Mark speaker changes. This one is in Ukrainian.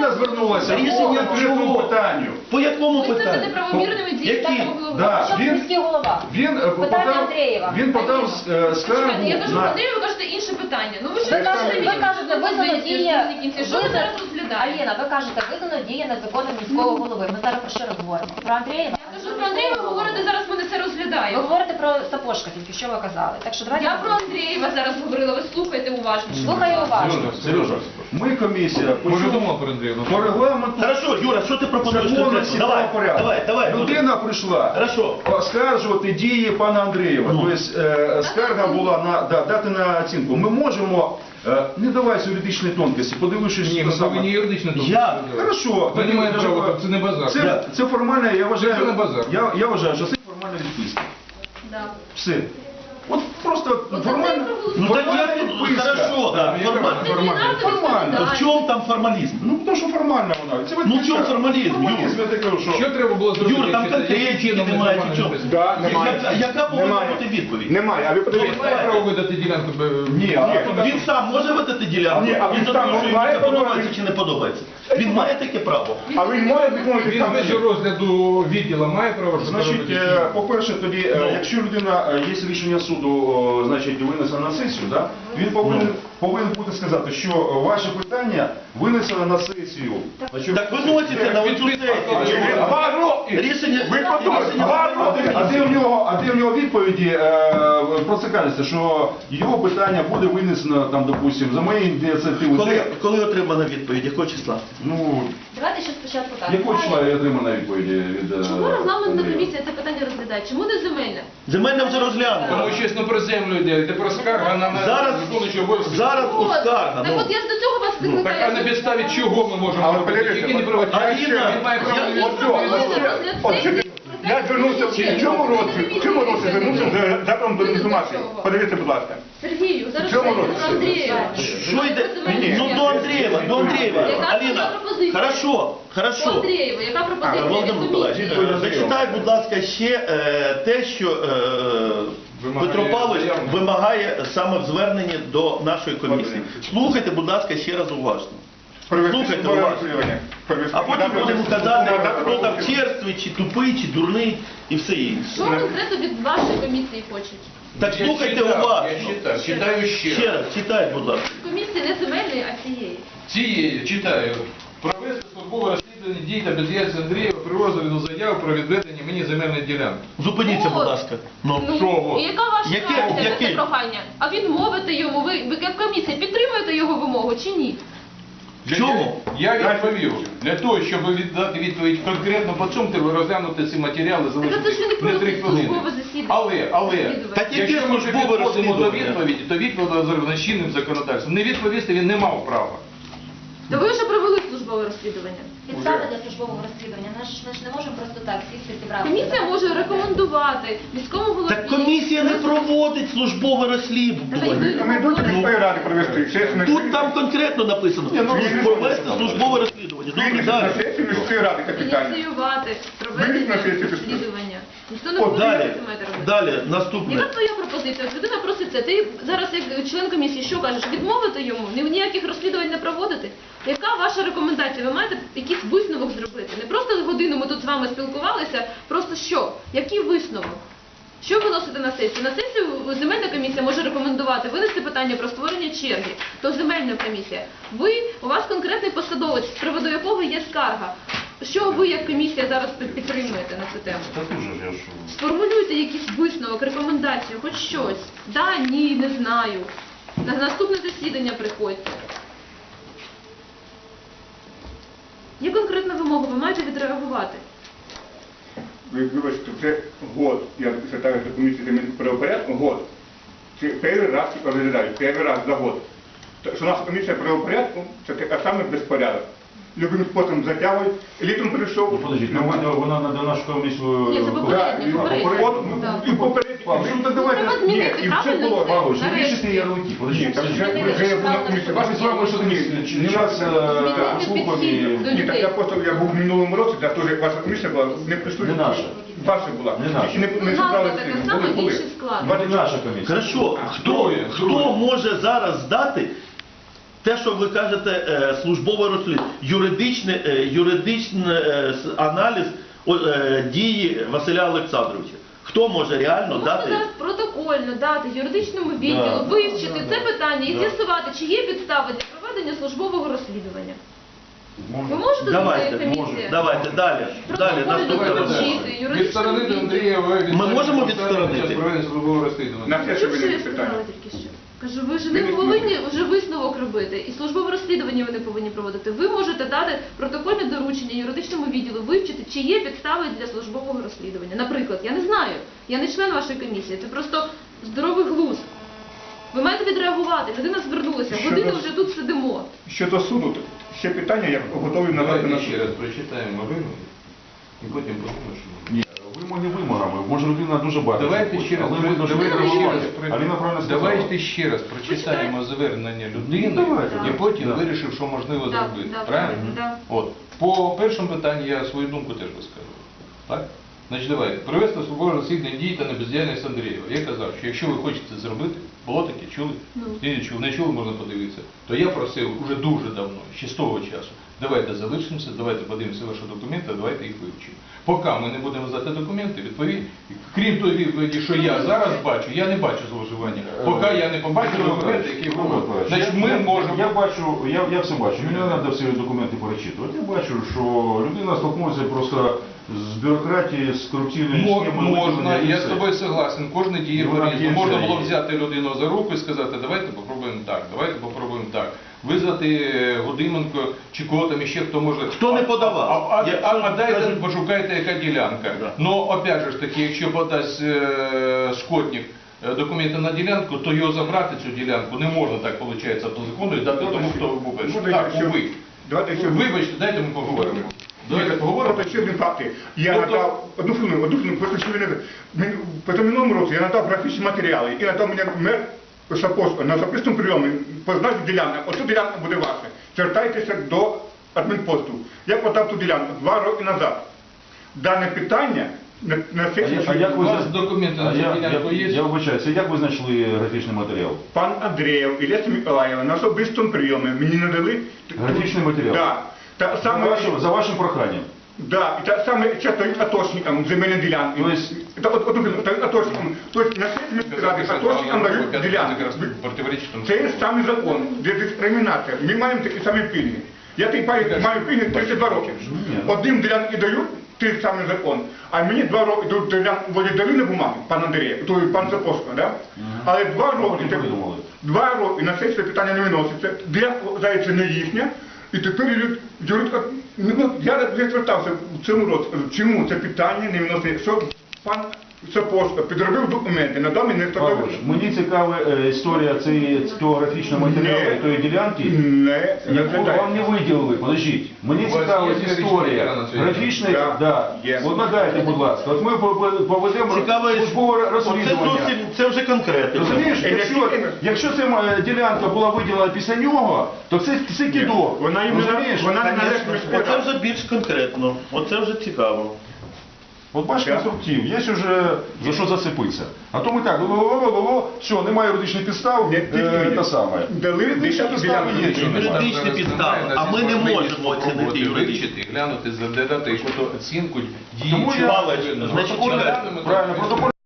Speaker 1: людина звернулася по конкретному питанню.
Speaker 2: По якому
Speaker 3: Визнати
Speaker 2: питанню?
Speaker 3: неправомірними дії штатного голови.
Speaker 1: Да,
Speaker 4: Що міський голова? Питання Андрієва.
Speaker 1: Він подав скаргу
Speaker 3: Я кажу,
Speaker 1: на...
Speaker 3: Андрію, ви кажете інше питання. Ну ви ж
Speaker 4: Ви кажете, визнано дія...
Speaker 3: Що ви зараз розглядаєте?
Speaker 4: Аліна, ви кажете, визнано дія незаконно міського голови. Ми зараз про що розговоримо? Про Андрієва?
Speaker 3: Я кажу про Андрія, ви говорите, зараз ми не це
Speaker 4: Ви
Speaker 3: розглядаємо.
Speaker 4: говорите про Сапожка, тільки що ви казали. Так що давайте...
Speaker 3: Я про Андрієва зараз говорила, ви слухайте уважно.
Speaker 4: Слухаю уважно.
Speaker 1: Сережа, ми комісія
Speaker 5: Може думав про Андрія?
Speaker 1: по регламенту
Speaker 2: Хорошо, Юра, що ти пропонуєш
Speaker 1: законності
Speaker 2: конкретно?
Speaker 1: та порядку.
Speaker 2: Давай.
Speaker 1: Людина прийшла
Speaker 2: Хорошо.
Speaker 1: оскаржувати дії пана Андрієва. Тобто скарга була дати на оцінку. Ми можемо, не давайся юридичної тонкості, подивившись,
Speaker 5: Ні,
Speaker 1: що
Speaker 5: ми
Speaker 1: саме.
Speaker 5: повинні юридично тут.
Speaker 2: Я?
Speaker 1: Хорошо.
Speaker 5: Ви не маєте права, це не базар.
Speaker 1: Це формальна, я вважаю,
Speaker 5: Це не базар.
Speaker 1: я вважаю, що це формальна відписка.
Speaker 3: Да.
Speaker 1: Все. От просто формально.
Speaker 2: Ну так
Speaker 1: формальна
Speaker 2: я...
Speaker 1: відписка.
Speaker 2: Хорошо, да, формально.
Speaker 1: Формально.
Speaker 2: В чому там формалізм?
Speaker 1: Ну, тому що формальна вона. Це
Speaker 2: Ну, в чому формалізм,
Speaker 1: Формалізм, я так кажу, що...
Speaker 5: Що треба було зробити?
Speaker 2: Юр, там
Speaker 5: якщо
Speaker 2: конкретики
Speaker 5: чином
Speaker 2: немає,
Speaker 5: нормально
Speaker 2: чи що?
Speaker 5: написано?
Speaker 6: Да, немає.
Speaker 2: Яка повинна
Speaker 6: Немає.
Speaker 2: бути відповідь?
Speaker 6: Немає, а ви
Speaker 5: Він
Speaker 6: подивіться.
Speaker 5: має право видати ділянку.
Speaker 1: Ні, а
Speaker 2: Він сам може видати ділянку?
Speaker 6: Ні, а він
Speaker 2: Він
Speaker 6: сам
Speaker 2: що йому
Speaker 6: має
Speaker 2: це
Speaker 6: право?
Speaker 2: подобається чи не подобається? Він має таке право?
Speaker 6: А він може відмовити
Speaker 5: Він
Speaker 6: сам
Speaker 5: без
Speaker 6: собі?
Speaker 5: розгляду відділу має право, що
Speaker 1: Значить,
Speaker 5: робити?
Speaker 1: по-перше, тоді, якщо людина, є рішення суду, значить, винесено на сесію, да? Він повинен бути сказати, що ваші питання винесено на сесію. Значить,
Speaker 2: Так виноситься на оцю сесію.
Speaker 6: 2 роки!
Speaker 2: Рішення...
Speaker 6: Ви подумайте, 2 роки!
Speaker 1: А де в нього відповіді про це кажеться, що його питання буде винесено, там, допустим, за моєю ініціативою.
Speaker 2: Коли отримана відповідь? Якого числа?
Speaker 1: Ну,
Speaker 4: Давайте ще спочатку так.
Speaker 1: якого числа я отримана відповіді від
Speaker 3: Чому регламентна
Speaker 1: Андрія?
Speaker 3: комісія це питання розглядає? Чому не земельна?
Speaker 2: Земельна вже
Speaker 5: Тому
Speaker 2: розглянула.
Speaker 5: чесно про землю йде, йде про скарга на виконуючого обов'язки.
Speaker 2: Зараз
Speaker 3: От,
Speaker 2: скарга.
Speaker 3: так от я ж до цього вас
Speaker 5: Ну, так а на
Speaker 3: викликаю.
Speaker 5: підставі чого ми можемо
Speaker 6: Але
Speaker 5: робити?
Speaker 6: подивіться,
Speaker 5: Які не проводять?
Speaker 2: Аліна,
Speaker 5: Він має право
Speaker 2: я-
Speaker 6: Я звернувся в цьому році звернувся з запитом до інформації. Подивіться, будь ласка.
Speaker 3: Сергію, зараз
Speaker 6: В цьому
Speaker 3: про
Speaker 6: році.
Speaker 3: Андрія.
Speaker 2: Що йде? Ну до Андрієва.
Speaker 3: Яка
Speaker 2: Аліна,
Speaker 3: пропозиція?
Speaker 2: хорошо.
Speaker 3: По Андрієву, яка пропозиція від
Speaker 2: Володимир Миколаївич,
Speaker 3: комісії?
Speaker 2: зачитай, будь ласка, ще те, що Петро Павлович вимагає саме в зверненні до нашої комісії. Слухайте, будь ласка, ще раз уважно. Слухайте уважно. А потім будемо казати, хто там черствий, чи тупий, чи дурний і все інше.
Speaker 3: Що конкретно від вашої комісії хочуть?
Speaker 2: Так слухайте уважно.
Speaker 5: Я читаю ще.
Speaker 2: Ще раз, читайте, будь ласка.
Speaker 3: Комісії не земельної, а цієї.
Speaker 5: Цієї, читаю. Провести службове розслідування дій та бездіяльності Андрієва при розгляду заяви про відведення мені земельної ділянки.
Speaker 2: Зупиніться, будь ласка. Ну,
Speaker 3: І яка ваша реакція на це прохання? А відмовити йому, ви як комісія підтримуєте його вимогу чи ні?
Speaker 2: Чому?
Speaker 5: Я відповів. Для того, щоб дати відповідь конкретно по цьому, треба розглянути ці матеріали,
Speaker 3: Так це ж ви не
Speaker 5: залишити не 3
Speaker 3: проводите
Speaker 5: хвилини.
Speaker 3: службове засідання.
Speaker 5: Але,
Speaker 2: Так яке
Speaker 5: якщо ми вже
Speaker 2: службове
Speaker 5: підходимо до
Speaker 2: розслідування?
Speaker 5: відповіді, то відповідь зроблена чинним законодавством. Не відповісти він не мав права.
Speaker 3: Та ви вже провели службове розслідування.
Speaker 4: Підстави для службового розслідування. Ми ж не можемо просто так сісти і зібрати.
Speaker 3: Комісія може рекомендувати міському голові.
Speaker 2: Так комісія не проводить службове розслідування.
Speaker 6: Рекомендуйте міської ради провести сесію.
Speaker 2: Тут там конкретно написано, провести службове розслідування. Добре,
Speaker 6: Винести на
Speaker 2: далі.
Speaker 6: сесію міської ради капітально.
Speaker 3: Ініціювати
Speaker 6: Винести на
Speaker 3: проведення
Speaker 6: сесію
Speaker 3: розслідування. Ніхто не
Speaker 2: От
Speaker 3: буде
Speaker 2: далі,
Speaker 3: це маєте робити.
Speaker 2: далі, наступне.
Speaker 3: Яка твоя пропозиція? От людина просить це. Ти зараз як член комісії що кажеш? Відмовити йому? Ніяких розслідувань не проводити? Яка ваша рекомендація? Ви маєте якийсь висновок зробити? Не просто годину ми тут з вами спілкувалися, просто що? Який висновок? Що виносити на сесію? На сесію земельна комісія може рекомендувати винести питання про створення черги. То земельна комісія. У вас конкретний посадовець, з приводу якого є скарга. Що ви як комісія зараз підтримуєте на цю тему? Сформулюйте якийсь висновок, рекомендацію, хоч щось. Да, ні, не знаю. На наступне засідання приходьте. Є конкретна вимога, ви маєте відреагувати.
Speaker 6: Ви вибачте, це год. Я звертаюся до комісії земельного правопорядку, год. Це перший раз розглядають, перший раз за год. Що наша комісія правопорядку, це саме безпорядок. Любим способом затягують, літом прийшов.
Speaker 1: Подождіть, вона на нашу комісію...
Speaker 3: Ні, це попередньо, попередньо. Так.
Speaker 6: І попередньо.
Speaker 1: Ну так давайте...
Speaker 3: Треба змінити,
Speaker 1: і все
Speaker 3: правильно
Speaker 1: було,
Speaker 3: це?
Speaker 1: Павлович, не
Speaker 3: Нарешті.
Speaker 1: вішайте ярлики.
Speaker 6: Ні,
Speaker 1: Подождіть,
Speaker 6: так вже я був на комісії.
Speaker 1: Ваші слова, що не раз послухав і...
Speaker 6: Ні, так я просто, я був в минулому році, так теж ваша комісія була, не прийшли.
Speaker 1: Не наша.
Speaker 6: Ваша була.
Speaker 1: Не наша.
Speaker 6: Тільки не
Speaker 3: Назва
Speaker 6: зібрали
Speaker 3: така
Speaker 6: всі.
Speaker 3: сама,
Speaker 6: Були.
Speaker 3: інший склад.
Speaker 1: Це наша комісія.
Speaker 2: Хорошо, хто може зараз здати Те, що ви кажете, службове розслідування, юридичний аналіз дії Василя Олександровича. Хто може реально
Speaker 3: Можна
Speaker 2: дати?
Speaker 3: зараз протокольно дати юридичному відділу,
Speaker 2: Да.
Speaker 3: вивчити це питання і
Speaker 2: Да.
Speaker 3: з'ясувати, чи є підстави для проведення службового розслідування. Ви можете
Speaker 2: Давайте,
Speaker 3: комісія?
Speaker 2: давайте, далі. Далі,
Speaker 3: Протокольно
Speaker 2: наступне
Speaker 5: Давайте,
Speaker 2: питання.
Speaker 3: доручити юридичному
Speaker 5: Відсторонити
Speaker 3: відділу.
Speaker 5: Андрієва від
Speaker 2: Ми можемо
Speaker 5: посади
Speaker 2: відсторонити?
Speaker 5: під час проведення службового розслідування.
Speaker 6: На те,
Speaker 3: Чув,
Speaker 6: що ви
Speaker 3: що
Speaker 6: не
Speaker 3: я
Speaker 6: питання.
Speaker 3: сказала тільки що? Кажу, ви ж не повинні вже висновок робити, і службове розслідування ви не повинні проводити. Ви можете дати протокольне доручення юридичному відділу, вивчити, чи є підстави для службового розслідування. Наприклад, я не знаю, я не член вашої комісії, це просто здоровий глузд. Ви маєте відреагувати, людина звернулася,
Speaker 6: Щодо-
Speaker 3: годину вже тут сидимо.
Speaker 6: Щодо суду, то ще питання, я готовий надати на
Speaker 5: Давайте
Speaker 6: суд.
Speaker 5: ще раз прочитаємо вимоги і потім подумаємо, що ми.
Speaker 1: Ні, вимоги вимогами. Може людина дуже багато.
Speaker 5: Давайте ще раз,
Speaker 1: але видно, що
Speaker 3: давайте
Speaker 1: ви
Speaker 3: ще
Speaker 1: реагуєте.
Speaker 5: раз,
Speaker 1: Аліна правильно сказала.
Speaker 5: давайте ще раз прочитаємо звернення людини
Speaker 1: Давайте,
Speaker 5: і
Speaker 1: да.
Speaker 5: потім
Speaker 1: Да.
Speaker 5: вирішив, що можливо
Speaker 3: Да,
Speaker 5: зробити.
Speaker 3: да,
Speaker 5: Правильно?
Speaker 3: да.
Speaker 5: От. По першому питанню я свою думку теж висказував. Так? Значить, давайте. Провести службове розслідування дій та бездіяльність Андрієва. Я казав, що якщо ви хочете це зробити, було таке, чули?
Speaker 3: Ну.
Speaker 5: Не чули, можна подивитися. То я просив уже дуже давно, ще з того часу, давайте залишимося, давайте подивимося ваші документи, давайте їх вивчимо. Поки ми не будемо здати документи, крім тої відповіді, що я зараз бачу, я не бачу зловживання. Поки я не побачу документи, які говорять. Значить, ми можемо...
Speaker 1: Я бачу, я все бачу. Мені не треба всі документи перечитувати. Я бачу, що людина столкнулася просто з бюрократією, з корупційною схемою.
Speaker 5: Можна,
Speaker 1: і
Speaker 5: я
Speaker 1: все.
Speaker 5: з тобою согласен, кожен діє
Speaker 1: І вона
Speaker 5: по-різному. Можна
Speaker 1: кінчає.
Speaker 5: було взяти людину за руку і сказати, давайте попробуємо так, давайте попробуємо так. Визвати Годименко чи кого там іще, хто може...
Speaker 2: Хто не подавав?
Speaker 5: А дайте пошукайте, яка ділянка.
Speaker 2: Да.
Speaker 5: Ну, опять же ж таки, якщо подасть Скотник документи на ділянку, то його забрати цю ділянку не можна так, виходить, по закону і дати тому, хто був перший.
Speaker 6: Можна
Speaker 5: Так,
Speaker 6: ще-
Speaker 5: ви.
Speaker 6: Давайте ще...
Speaker 5: Вибачте, дайте ми поговоримо. Давайте поговоримо.
Speaker 6: Просто ще один факт. Я
Speaker 5: Тобто-
Speaker 6: надав, одну хвилину, просто ще не... По минулому році я надав графічні матеріали і надав мені мер Сапожко на особистому прийомі позначив ділянку. Оцю ділянка буде ваша. Звертайтеся до адмінпосту. Я подав ту ділянку 2 роки назад. Дане питання на сесії...
Speaker 1: А як
Speaker 5: У
Speaker 1: ви
Speaker 5: вас документи на цю ділянку є?
Speaker 1: Я вибачаюся, як ви знайшли графічний матеріал?
Speaker 6: Пан Андрієв і Леся Миколаєва на особистому прийомі мені надали...
Speaker 1: Графічний матеріал?
Speaker 6: Да. Та саме...
Speaker 1: За вашим проханням.
Speaker 6: Да, и так саме часто атошникам земельной ділянки.
Speaker 1: То есть-
Speaker 6: Атошникам. То есть на сесії ради атошникам дають ділянки.
Speaker 5: Противоречить тому,
Speaker 6: Це
Speaker 5: що
Speaker 6: є самий закон, де дискримінація. Ми маємо такі самі пільги. Я тій маю пільги 32 роки. Одним ділянки дають, той самий закон. А мені 2 роки вводять дали на бумаги, пан Андрій, той пан Сапожко, да? Але 2 роки,
Speaker 1: Потім придумали.
Speaker 6: 2 роки на сесії питання не виноситься. Ділянка, здається, не їхня. І тепер юридика, я звертався в цьому році, чому це питання не виносить, що пан Сапожко підробив документи, надав мені
Speaker 1: Павлович, мені цікава історія цього графічного матеріалу і тої ділянки, яку вам не виділили. Подождіть. Мені
Speaker 5: У вас
Speaker 1: цікава
Speaker 5: є графічний
Speaker 1: історія
Speaker 5: матеріал на цю
Speaker 1: графічної,
Speaker 6: ділянку?
Speaker 1: да.
Speaker 6: Є.
Speaker 1: От надайте, будь ласка. От ми поведемо
Speaker 2: Цікаве,
Speaker 1: службове
Speaker 2: оце
Speaker 1: розслідування.
Speaker 2: зовсім, це вже конкретно.
Speaker 1: Розумієш, якщо ця ділянка була виділена після нього, то це кидок.
Speaker 6: Вона їм не
Speaker 1: Розумієш?
Speaker 6: вона не
Speaker 2: Конечно.
Speaker 6: належить міської
Speaker 2: Оце
Speaker 6: ради.
Speaker 2: вже більш конкретно. Оце вже цікаво.
Speaker 1: От бачиш конструктив, є вже за що зацепитися. А то ми так, все, немає юридичних підстав, те саме.
Speaker 6: Дали
Speaker 1: Юридичні підстави є, що немає.
Speaker 2: Юридичні підстави, а ми не можемо оцінити юридичні.
Speaker 5: вивчити, глянути, задати якусь оцінку дії.
Speaker 1: Тому я-
Speaker 2: Павлович, значить,
Speaker 1: Правильно, протокол